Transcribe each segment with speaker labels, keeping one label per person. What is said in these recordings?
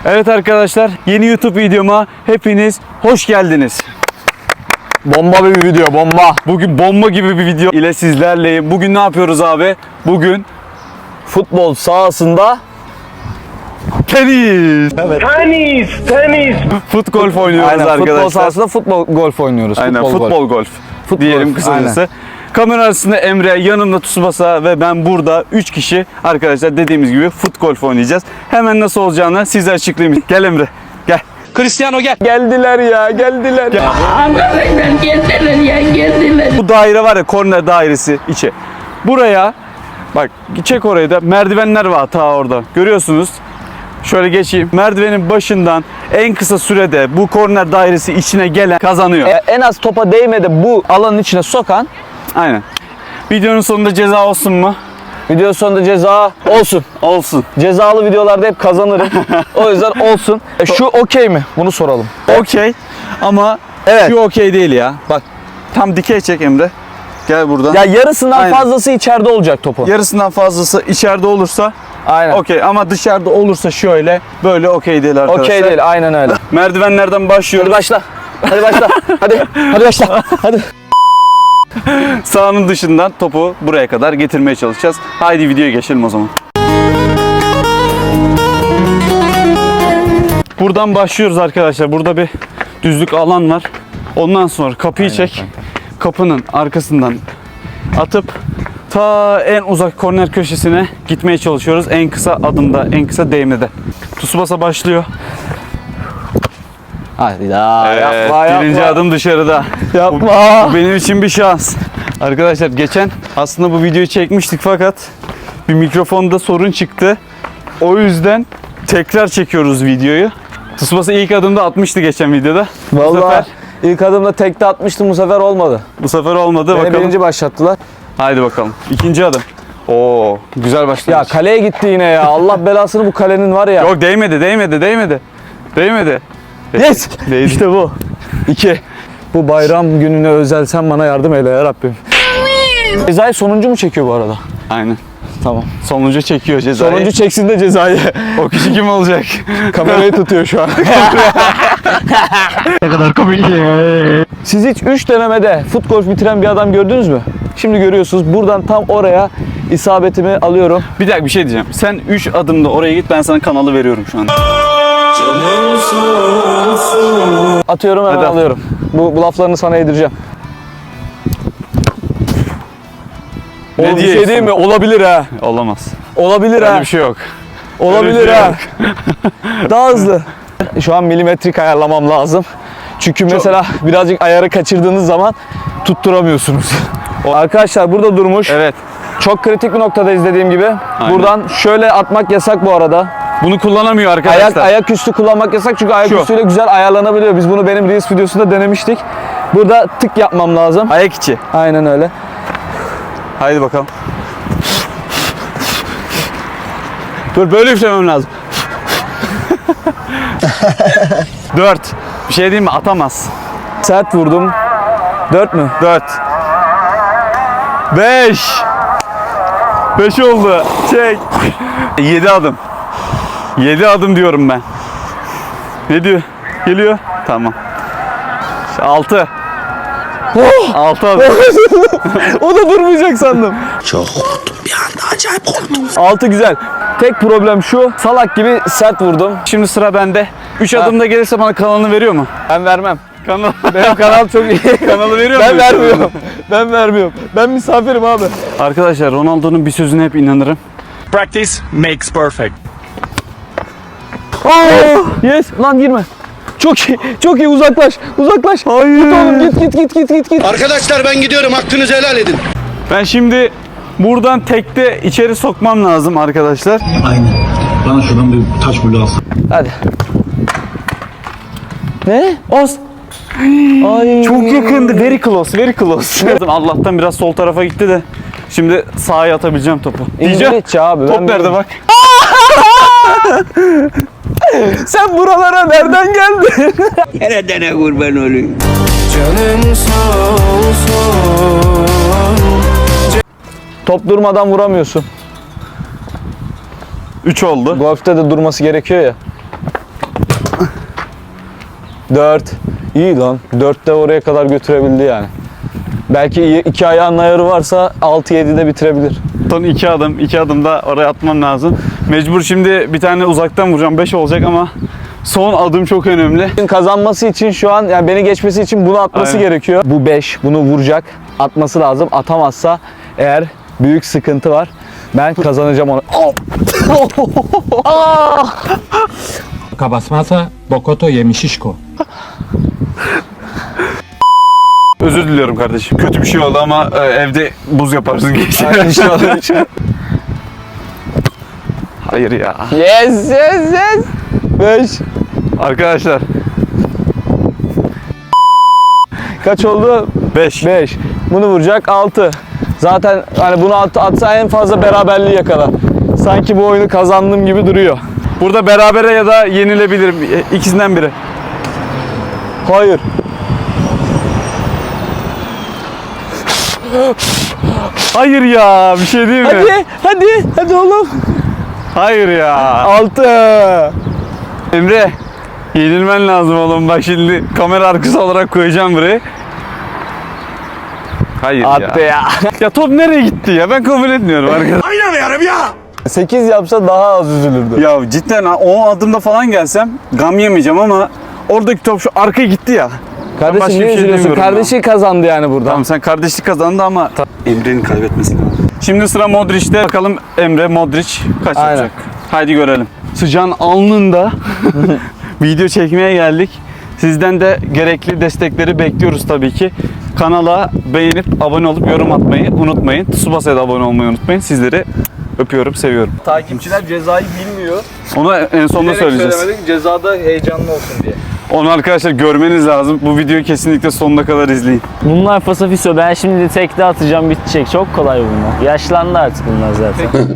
Speaker 1: Evet arkadaşlar, yeni YouTube videoma hepiniz hoş geldiniz.
Speaker 2: Bomba bir video, bomba.
Speaker 1: Bugün bomba gibi bir video ile sizlerleyim. Bugün ne yapıyoruz abi? Bugün
Speaker 2: Futbol sahasında
Speaker 1: tenis.
Speaker 2: evet.
Speaker 3: Tenis.
Speaker 1: Fut golf oynuyoruz
Speaker 2: Aynen,
Speaker 1: arkadaşlar.
Speaker 2: futbol sahasında futbol golf oynuyoruz.
Speaker 1: Aynen, futbol golf. Diyelim kısacası.
Speaker 2: Aynen.
Speaker 1: Kamera arasında Emre, yanımda Tsubasa ve ben burada 3 kişi arkadaşlar dediğimiz gibi fut golf oynayacağız. Hemen nasıl olacağını size açıklayayım. Gel Emre, gel. Cristiano gel.
Speaker 2: Geldiler ya, geldiler.
Speaker 1: Gel.
Speaker 4: Arkadaşlar geldiler.
Speaker 1: Bu daire var ya, korner dairesi içi. Buraya bak, çek orayı da, merdivenler var ta orada. Görüyorsunuz. Şöyle geçeyim. Merdivenin başından en kısa sürede bu korner dairesi içine gelen kazanıyor.
Speaker 2: En az topa değmedi bu alanın içine sokan,
Speaker 1: Aynen. Videonun sonunda ceza olsun mu?
Speaker 2: video sonunda ceza olsun.
Speaker 1: Olsun.
Speaker 2: Cezalı videolarda hep kazanırım. O yüzden olsun. Şu okey mi? Bunu soralım.
Speaker 1: Okey. Ama
Speaker 2: Evet.
Speaker 1: şu okey değil ya. Bak, tam dikey çek Emre. Gel buradan.
Speaker 2: Ya yarısından
Speaker 1: Aynen.
Speaker 2: fazlası içeride olacak topu.
Speaker 1: Yarısından fazlası içeride olursa
Speaker 2: Aynen.
Speaker 1: okey, ama dışarıda olursa şöyle böyle okey değil arkadaşlar.
Speaker 2: Okey değil, aynen öyle.
Speaker 1: Merdivenlerden başlıyoruz.
Speaker 2: Hadi başla. Hadi başla. Hadi başla. Hadi.
Speaker 1: Sahanın dışından topu buraya kadar getirmeye çalışacağız. Haydi videoya geçelim o zaman. Buradan başlıyoruz arkadaşlar. Burada bir düzlük alan var. Ondan sonra kapıyı çek. Kapının arkasından atıp ta en uzak korner köşesine gitmeye çalışıyoruz. En kısa adımda, en kısa değmede. Tsubasa başlıyor.
Speaker 2: Hadi daha yapma.
Speaker 1: Birinci adım dışarıda.
Speaker 2: Yapma.
Speaker 1: Bu benim için bir şans. Arkadaşlar geçen aslında bu videoyu çekmiştik fakat bir mikrofonda sorun çıktı. O yüzden tekrar çekiyoruz videoyu. Tsubasa ilk adımda atmıştı geçen videoda.
Speaker 2: Vallahi ilk adımda tekte atmıştım, bu sefer olmadı.
Speaker 1: Bu sefer olmadı.
Speaker 2: Beni
Speaker 1: Bakalım.
Speaker 2: birinci başlattılar.
Speaker 1: Haydi bakalım. İkinci adım. Oo, güzel
Speaker 2: Ya
Speaker 1: başlamış.
Speaker 2: kaleye gitti yine ya. Allah belasını bu kalenin var ya.
Speaker 1: Yok, değmedi.
Speaker 2: Yes.
Speaker 1: Değdi.
Speaker 2: İşte bu. 2. Bu bayram gününe özel sen bana yardım eyle ya Rabbim. Cezayı sonuncu mu çekiyor bu arada?
Speaker 1: Aynen.
Speaker 2: Tamam.
Speaker 1: Sonuncu çekiyor cezayı.
Speaker 2: Sonuncu çeksin de cezayı.
Speaker 1: O kişi kim olacak?
Speaker 2: Kamerayı tutuyor şu an.
Speaker 3: Ne kadar komik.
Speaker 2: Siz hiç 3 denemede fut golf bitiren bir adam gördünüz mü? Şimdi görüyorsunuz. Buradan tam oraya isabetimi alıyorum.
Speaker 1: Bir dakika, bir şey diyeceğim. Sen 3 adımda oraya git, ben sana kanalı veriyorum şu anda.
Speaker 2: Atıyorum, hemen
Speaker 1: Hadi at.
Speaker 2: alıyorum. Bu laflarını sana yedireceğim.
Speaker 1: Ne
Speaker 2: Oğlum bir şey
Speaker 1: diyorsun?
Speaker 2: değil mi? Olabilir ha.
Speaker 1: Olamaz.
Speaker 2: Olabilir
Speaker 1: Öyle
Speaker 2: ha.
Speaker 1: bir şey yok.
Speaker 2: Olabilir
Speaker 1: Öyle bir şey
Speaker 2: ha.
Speaker 1: yok.
Speaker 2: Daha hızlı. Şu an milimetrik ayarlamam lazım. Çünkü mesela birazcık ayarı kaçırdığınız zaman tutturamıyorsunuz. Arkadaşlar burada durmuş.
Speaker 1: Evet.
Speaker 2: Çok kritik bir noktadayız dediğim gibi.
Speaker 1: Aynen.
Speaker 2: Buradan şöyle atmak yasak bu arada.
Speaker 1: Bunu kullanamıyor arkadaşlar.
Speaker 2: Ayak üstü kullanmak yasak çünkü ayak
Speaker 1: Şu.
Speaker 2: üstüyle güzel ayarlanabiliyor. Biz bunu benim Reels videosunda denemiştik. Burada tık yapmam lazım.
Speaker 1: Ayak içi.
Speaker 2: Aynen öyle.
Speaker 1: Haydi bakalım. Dur, böyle üflemem lazım. 4. Bir şey diyeyim mi? Atamaz.
Speaker 2: Sert vurdum. 4 mü?
Speaker 1: 4. 5. 5 oldu. Çek. 7 adım. 7 adım diyorum ben. Ne diyor? Geliyor. Tamam. 6. 6 adım.
Speaker 2: O da durmayacak sandım.
Speaker 3: Çok korktum bir anda, acayip korktum.
Speaker 2: 6 güzel. Tek problem şu. Salak gibi sert vurdum.
Speaker 1: Şimdi sıra bende. 3 adımda gelirse bana kanalını veriyor mu?
Speaker 2: Ben vermem.
Speaker 1: Kanal.
Speaker 2: Benim kanal çok iyi.
Speaker 1: Kanalı veriyor
Speaker 2: Ben
Speaker 1: mu?
Speaker 2: vermiyorum. Ben vermiyorum. Ben misafirim abi.
Speaker 1: Arkadaşlar, Ronaldo'nun bir sözüne hep inanırım.
Speaker 3: Practice makes perfect.
Speaker 2: Yes. Lan girme. Çok iyi. Çok iyi. Uzaklaş. Uzaklaş. Hayır. Git oğlum. Git.
Speaker 5: Arkadaşlar ben gidiyorum, hakkınızı helal edin.
Speaker 1: Ben şimdi buradan tekte içeri sokmam lazım arkadaşlar.
Speaker 6: Aynen. Bana şuradan bir taş bulu alsın.
Speaker 2: Hadi. Ne? Os. Ay.
Speaker 1: Çok yakındı. Very close. Allah'tan biraz sol tarafa gitti de. Şimdi sağa atabileceğim topu. Diyeceğim.
Speaker 2: İngilizce abi.
Speaker 1: Top
Speaker 2: ben
Speaker 1: nerede
Speaker 2: biliyorum.
Speaker 1: bak?
Speaker 2: Sen buralara nereden geldin?
Speaker 5: Nereden kurban olayım?
Speaker 2: Top durmadan vuramıyorsun.
Speaker 1: 3 oldu.
Speaker 2: Golf'te de durması gerekiyor ya. 4. İyi lan. 4 de oraya kadar götürebildi yani. Belki iki ayağının ayarı varsa 6-7'de bitirebilir.
Speaker 1: Son 2 adım da oraya atmam lazım. Mecbur şimdi bir tane uzaktan vuracağım. 5 olacak ama son adım çok önemli.
Speaker 2: Kazanması için şu an yani beni geçmesi için bunu atması
Speaker 1: Aynen.
Speaker 2: gerekiyor. Bu 5. Bunu vuracak. Atması lazım. Atamazsa eğer büyük sıkıntı var. Ben kazanacağım onu.
Speaker 7: Kabasmasa Bokoto yemişişko.
Speaker 1: Özür diliyorum kardeşim. Kötü bir şey oldu ama evde buz yaparsın geçti. Hayır ya.
Speaker 2: Yes yes yes. 5.
Speaker 1: Arkadaşlar
Speaker 2: Kaç oldu?
Speaker 1: 5.
Speaker 2: 5. Bunu vuracak 6. Zaten hani bunu atsa en fazla beraberliği yakalar. Sanki bu oyunu kazandığım gibi duruyor.
Speaker 1: Burada berabere ya da yenilebilirim. İkisinden biri.
Speaker 2: Hayır.
Speaker 1: Hayır ya. Bir şey değil mi?
Speaker 2: Hadi oğlum.
Speaker 1: Hayır ya.
Speaker 2: 6.
Speaker 1: Emre. Yenilmen lazım oğlum. Bak şimdi kamera arkası olarak koyacağım buraya. Hayır
Speaker 2: Attı ya.
Speaker 1: Ya top nereye gitti ya? Ben kabul etmiyorum arkadaşlar.
Speaker 3: Oynamıyorum ya.
Speaker 2: 8 yapsa daha az üzülürdü.
Speaker 1: Ya cidden ha, o adımda falan gelsem gam yemeyeceğim ama oradaki top şu arkaya gitti ya.
Speaker 2: Kardeşim
Speaker 1: başka bir
Speaker 2: niye
Speaker 1: şey
Speaker 2: üzülüyorsun?
Speaker 1: demiyorum
Speaker 2: Kardeşi kazandı yani burada.
Speaker 1: Tamam sen kardeşlik kazandı ama Emre'nin kaybetmesi lazım. Şimdi sıra Modric'te. Bakalım Emre Modric kaç
Speaker 2: Aynen.
Speaker 1: yapacak? Haydi görelim. Sıcağın alnında video çekmeye geldik. Sizden de gerekli destekleri bekliyoruz tabii ki. Kanala beğenip abone olup yorum atmayı unutmayın. Tsubasa'ya da abone olmayı unutmayın. Sizleri öpüyorum, seviyorum.
Speaker 2: Takipçiler cezayı bilmiyor.
Speaker 1: Onu en sonunda söyleyeceğiz.
Speaker 2: Cezada heyecanlı olsun diye.
Speaker 1: Onu arkadaşlar görmeniz lazım. Bu videoyu kesinlikle sonuna kadar izleyin.
Speaker 8: Bunlar fasafiso. Ben şimdi tekte atacağım, bitecek. Çok kolay bunlar. Yaşlandı artık bunlar zaten.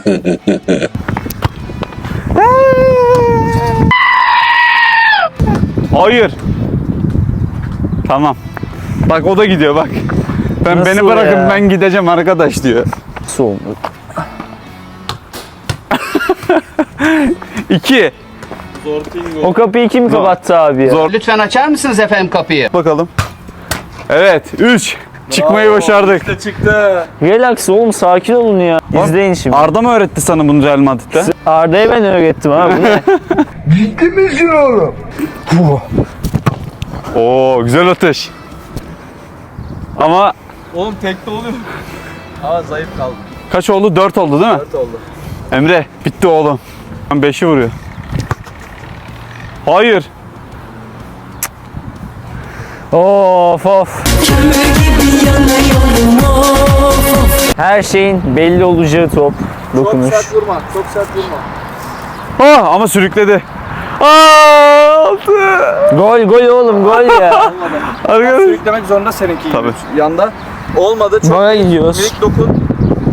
Speaker 1: Hayır. Tamam. Bak o da gidiyor bak.
Speaker 8: Nasıl
Speaker 1: Beni bırakın
Speaker 8: ya?
Speaker 1: ben gideceğim arkadaş diyor.
Speaker 8: Soğuk.
Speaker 1: 2.
Speaker 8: O kapıyı kim kapattı abi ya?
Speaker 1: Zor.
Speaker 5: Lütfen açar mısınız efendim kapıyı?
Speaker 1: Bakalım. Evet 3. Çıkmayı başardık.
Speaker 2: Çıktı.
Speaker 8: Relax oğlum, sakin olun ya. İzleyin şimdi.
Speaker 1: Arda mı öğretti sana bunu Real Madrid'de?
Speaker 8: Arda'ya ben öğrettim abi. Bu ne?
Speaker 1: Oo güzel atış. Ama
Speaker 2: Oğlum tekte oluyor. Ama zayıf kaldı.
Speaker 1: kaç oldu? 4 oldu değil mi?
Speaker 2: 4 oldu.
Speaker 1: Emre bitti oğlum. 5'i vuruyor. Hayır.
Speaker 8: Of of. Her şeyin belli olacağı top. Dokunuş.
Speaker 2: vurma. Çok sert vurma.
Speaker 1: Ah, ama sürükledi. Aa, 6.
Speaker 8: Gol oğlum, gol ya.
Speaker 1: Arkadaş.
Speaker 2: Sürüklemek zorunda seninki.
Speaker 1: Tabii.
Speaker 2: Yanda. Olmadı. Çok
Speaker 8: Bana gidiyoruz.
Speaker 2: minik dokun.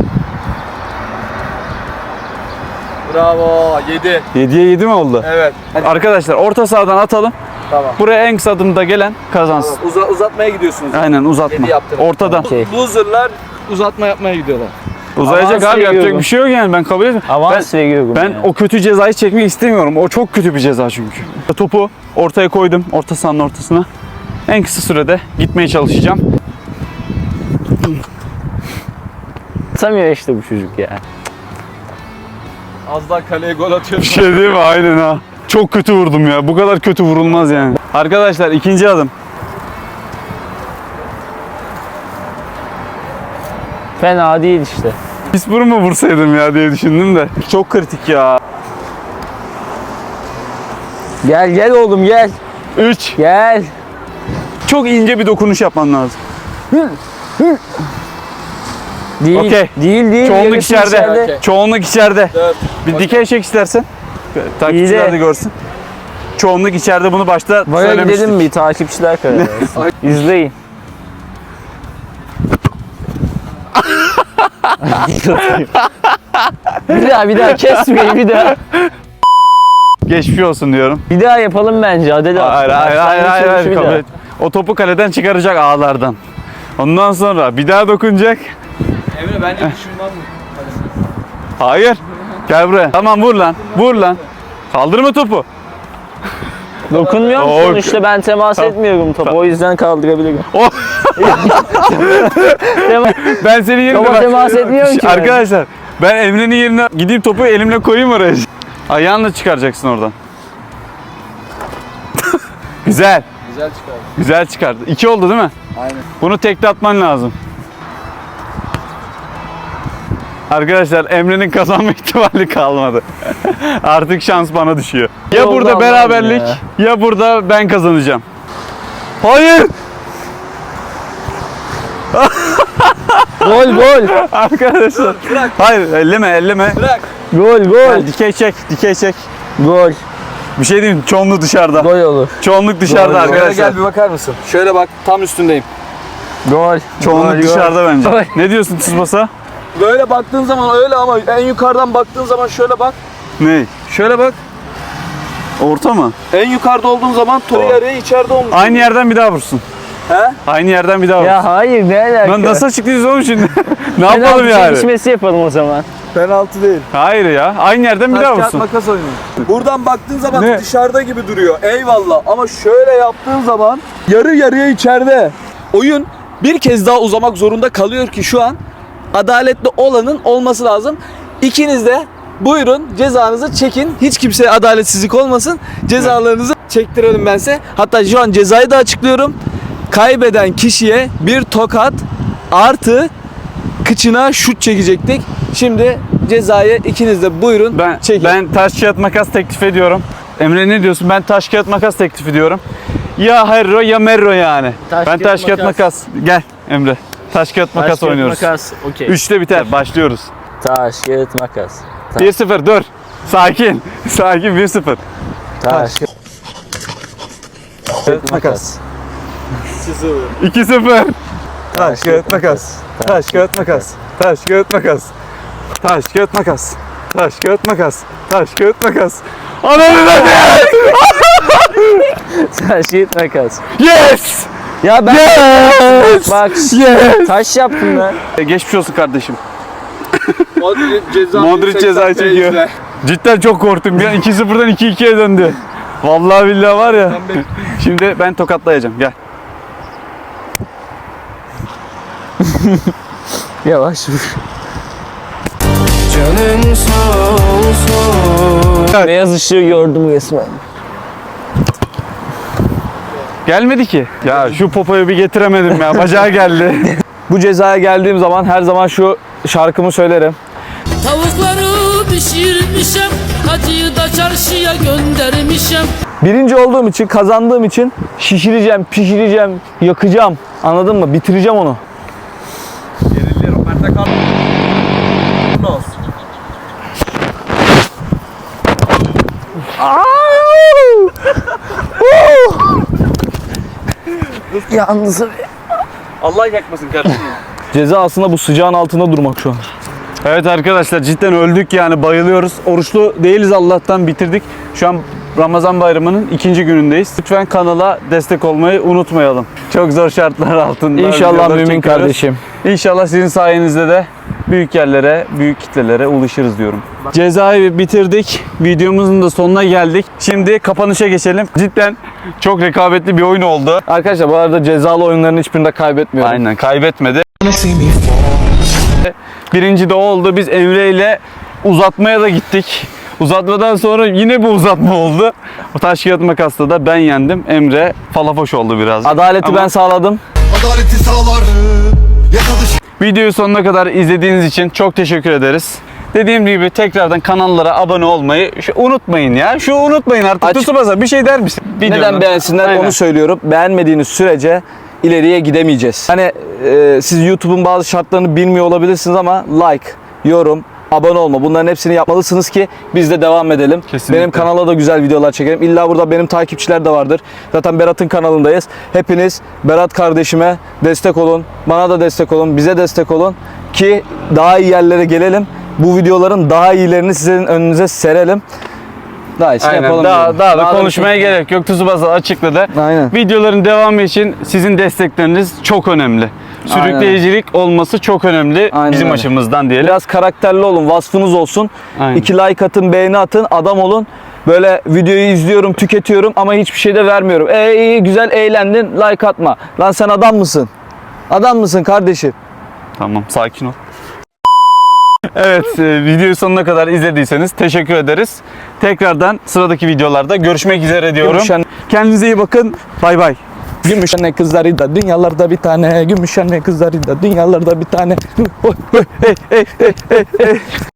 Speaker 2: Bravo. 7.
Speaker 1: 7'ye 7 mi oldu?
Speaker 2: Evet.
Speaker 1: Arkadaşlar orta sahadan atalım.
Speaker 2: Tamam.
Speaker 1: Buraya en kısa adımda gelen kazansın.
Speaker 2: Uzatmaya gidiyorsunuz.
Speaker 1: Aynen uzatma.
Speaker 2: 7 yaptım.
Speaker 1: Ortadan.
Speaker 8: Okey.
Speaker 2: Loser'lar uzatma yapmaya gidiyorlar.
Speaker 1: Uzayacak
Speaker 8: Avans
Speaker 1: abi yapacak
Speaker 8: veriyorum.
Speaker 1: bir şey yok yani ben kabul etmiyorum.
Speaker 8: Avans veriyorum
Speaker 1: Ben
Speaker 8: ya.
Speaker 1: o kötü cezayı çekmek istemiyorum. O çok kötü bir ceza çünkü. Topu ortaya koydum. Orta sahanın ortasına. En kısa sürede gitmeye çalışacağım.
Speaker 8: Atamıyor işte bu çocuk ya.
Speaker 2: Az daha kaleye gol atıyor.
Speaker 1: Bir şey değil mi? Aynen ha. Çok kötü vurdum ya. Bu kadar kötü vurulmaz yani. Arkadaşlar ikinci adım.
Speaker 8: Fena değil işte.
Speaker 1: Pis bunu mu vursaydım ya diye düşündüm de. Çok kritik ya.
Speaker 8: Gel oğlum gel.
Speaker 1: 3.
Speaker 8: Gel.
Speaker 1: Çok ince bir dokunuş yapman lazım.
Speaker 8: Değil.
Speaker 1: Okey.
Speaker 8: Değil.
Speaker 1: Çoğunluk
Speaker 8: yarısı
Speaker 1: içeride. Çoğunluk içeride.
Speaker 2: Evet.
Speaker 1: Bir dikey çek istersen. Takipçiler
Speaker 8: İyi de.
Speaker 1: de görsün. Çoğunluk içeride bunu başta
Speaker 8: Baya
Speaker 1: söylemiştik.
Speaker 8: gidelim bir, takipçiler karar versin. İzleyin. bir daha kesmeyin bir daha.
Speaker 1: Geçmiş olsun diyorum.
Speaker 8: Bir daha yapalım bence. Adele
Speaker 1: Hayır
Speaker 8: atsın.
Speaker 1: hayır
Speaker 8: Başlangıç
Speaker 1: hayır
Speaker 8: vuruşu bir
Speaker 1: kabul
Speaker 8: daha.
Speaker 1: et. O topu kaleden çıkaracak ağlardan. Ondan sonra bir daha dokunacak.
Speaker 2: Emre bence şundan mı?
Speaker 1: Hayır. Gel buraya. Tamam vur lan. Vur lan. Kaldırma topu.
Speaker 8: Dokunmuyorum
Speaker 1: Oo,
Speaker 8: sonuçta, ben temas etmiyorum topa. O yüzden kaldırabilirim.
Speaker 1: Ben senin yerine
Speaker 8: Topa temas etmiyorum ki ben.
Speaker 1: Arkadaşlar ben Emre'nin yerine gideyim topu elimle koyayım oraya. Ayağınla çıkaracaksın oradan. Güzel.
Speaker 2: Güzel çıkardı.
Speaker 1: Güzel çıkardı. 2 oldu değil mi?
Speaker 2: Aynen.
Speaker 1: Bunu tekte atman lazım. Arkadaşlar Emre'nin kazanma ihtimali kalmadı. Artık şans bana düşüyor. Ya
Speaker 8: Oldu
Speaker 1: burada
Speaker 8: Allah'ım
Speaker 1: beraberlik ya burada ben kazanacağım. Hayır!
Speaker 8: Gol gol.
Speaker 1: Arkadaşlar. Hayır elleme.
Speaker 8: Gol gol.
Speaker 1: Gel, dikey çek.
Speaker 8: Gol.
Speaker 1: Bir şey diyeyim mi? Çoğunluk dışarıda.
Speaker 8: Gol olur.
Speaker 1: Çoğunluk dışarıda
Speaker 8: Gol, gol.
Speaker 1: arkadaşlar.
Speaker 2: Gel bir bakar mısın? Şöyle bak, tam üstündeyim.
Speaker 8: Gol.
Speaker 1: Çoğunluk
Speaker 8: Gol,
Speaker 1: dışarıda bence.
Speaker 8: Gol.
Speaker 1: Ne diyorsun Tsubasa?
Speaker 2: Böyle baktığın zaman öyle ama en yukarıdan baktığın zaman şöyle bak.
Speaker 1: Ne?
Speaker 2: Şöyle bak.
Speaker 1: Orta mı?
Speaker 2: En yukarıda olduğun zaman toru yarıya içeride olmuş.
Speaker 1: Aynı yerden bir daha vursun.
Speaker 2: He?
Speaker 1: Aynı yerden bir daha vursun.
Speaker 8: Ya hayır, ne alaka?
Speaker 1: Lan nasıl açıklıyoruz oğlum şimdi? Ne
Speaker 8: Penaltı
Speaker 1: yapalım yani?
Speaker 8: çekişmesi yapalım o zaman.
Speaker 2: Penaltı değil.
Speaker 1: Hayır ya. Aynı yerden bir daha
Speaker 2: Taş kağıt
Speaker 1: vursun.
Speaker 2: makas oyunu. Buradan baktığın zaman
Speaker 1: Ne?
Speaker 2: dışarıda gibi duruyor. Eyvallah. Ama şöyle yaptığın zaman yarı yarıya içeride. Oyun bir kez daha uzamak zorunda kalıyor ki şu an adaletli olanın olması lazım. İkiniz de buyurun cezanızı çekin. Hiç kimseye adaletsizlik olmasın. Cezalarınızı çektirelim ben size. Hatta şu an cezayı da açıklıyorum. Kaybeden kişiye bir tokat artı kıçına şut çekecektik. Şimdi cezayı ikiniz de buyurun çekin.
Speaker 1: Ben taş kağıt makas teklif ediyorum. Emre ne diyorsun? Ben taş kağıt makas teklif ediyorum. Ya Herro ya Merro yani.
Speaker 8: Taş,
Speaker 1: ben
Speaker 8: kağıt,
Speaker 1: taş kağıt
Speaker 8: makas.
Speaker 1: makas. Gel Emre. Taş kağıt makas
Speaker 8: Taş, kağıt,
Speaker 1: oynuyoruz.
Speaker 8: Makas. Okey.
Speaker 1: 3'te biter. Başlıyoruz.
Speaker 8: Taş, kağıt, makas.
Speaker 1: 1-0 dur. Sakin. Sakin 1-0.
Speaker 8: Taş,
Speaker 1: Kağıt makas. 2-0. Taş kağıt makas. Taş kağıt makas. Taş kağıt makas. Taş kağıt makas. Taş kağıt makas. Taş kağıt makas. Ananı da
Speaker 8: taş, kağıt, makas.
Speaker 1: Yes!
Speaker 8: Ya ben
Speaker 1: Yes!
Speaker 8: bak
Speaker 1: Yes!
Speaker 8: taş yaptım ben.
Speaker 1: Geçmiş olsun kardeşim.
Speaker 2: Modric
Speaker 1: Modric cezayı çekiyor. Cidden çok korktum ya. 2-0'dan 2-2'ye döndü. Vallahi billahi var ya. Şimdi ben tokatlayacağım. Gel.
Speaker 8: Yavaş vur. Beyaz ışığı gördüm resmen.
Speaker 1: Gelmedi ki. Ya şu popoyu bir getiremedim ya. Bacağı geldi.
Speaker 2: Bu cezaya geldiğim zaman her zaman şu şarkımı söylerim.
Speaker 9: Tavukları pişirmişem, hacıyı da çarşıya göndermişem.
Speaker 2: Birinci olduğum için, kazandığım için şişireceğim, pişireceğim, yakacağım. Anladın mı? Bitireceğim onu.
Speaker 8: Yalnız
Speaker 1: Allah yakmasın kardeşim.
Speaker 2: Ceza aslında bu sıcağın altında durmak şu an.
Speaker 1: Evet arkadaşlar cidden öldük yani bayılıyoruz. Oruçlu değiliz Allah'tan bitirdik. Şu an Ramazan bayramının 2. günündeyiz. Lütfen kanala destek olmayı unutmayalım. Çok zor şartlar altında.
Speaker 2: İnşallah
Speaker 1: videolar
Speaker 2: mümin
Speaker 1: çekiyoruz.
Speaker 2: kardeşim.
Speaker 1: İnşallah sizin sayenizde de büyük yerlere, büyük kitlelere ulaşırız diyorum. Cezayı bitirdik. Videomuzun da sonuna geldik. Şimdi kapanışa geçelim. Cidden çok rekabetli bir oyun oldu.
Speaker 2: Arkadaşlar bu arada cezalı oyunların hiçbirinde kaybetmiyorum.
Speaker 1: Aynen kaybetmedi. Birinci de oldu. Biz Emre ile uzatmaya da gittik. Uzatmadan sonra yine bir uzatma oldu. O taş kağıt makasla da ben yendim. Emre falafoş oldu biraz.
Speaker 2: Adaleti
Speaker 1: Ama
Speaker 2: ben sağladım.
Speaker 6: Adaleti sağlar.
Speaker 1: videoyu sonuna kadar izlediğiniz için çok teşekkür ederiz. Dediğim gibi tekrardan kanallara abone olmayı unutmayın ya. Unutmayın artık. Tsubasa bir şey der misin?
Speaker 2: Neden beğensinler
Speaker 1: Aynen.
Speaker 2: onu söylüyorum. Beğenmediğiniz sürece ileriye gidemeyeceğiz. Hani siz YouTube'un bazı şartlarını bilmiyor olabilirsiniz ama like, yorum, abone olma bunların hepsini yapmalısınız ki biz de devam edelim.
Speaker 1: Kesinlikle.
Speaker 2: Benim kanala da güzel videolar çekelim. İlla burada benim takipçiler de vardır. Zaten Berat'ın kanalındayız. Hepiniz Berat kardeşime destek olun. Bana da destek olun. Bize destek olun ki daha iyi yerlere gelelim. Bu videoların daha iyilerini sizin önünüze serelim. Daha iyisini
Speaker 1: Aynen.
Speaker 2: yapalım.
Speaker 1: Daha
Speaker 2: diyorum.
Speaker 1: da
Speaker 2: Daha
Speaker 1: konuşmaya gerek yok. Tsubasa açıkladı.
Speaker 2: Aynen.
Speaker 1: Videoların devamı için sizin destekleriniz çok önemli. Sürükleyicilik olması çok önemli
Speaker 2: Aynen
Speaker 1: bizim
Speaker 2: öyle.
Speaker 1: açımızdan diyelim.
Speaker 2: Biraz karakterli olun, vasfınız olsun.
Speaker 1: Aynen.
Speaker 2: 2 like atın, beğeni atın, adam olun. Böyle videoyu izliyorum, tüketiyorum ama hiçbir şey de vermiyorum. İyi güzel eğlendin, like atma. Lan sen adam mısın? Adam mısın kardeşim?
Speaker 1: Tamam, sakin ol. Evet, videoyu sonuna kadar izlediyseniz teşekkür ederiz. Tekrardan sıradaki videolarda görüşmek üzere diyorum.
Speaker 2: Gümüşhane-
Speaker 1: Kendinize iyi bakın. Bay bay.
Speaker 2: Gümüşhane kızları da dünyalarda bir tane. Gümüşhane kızları da dünyalarda bir tane.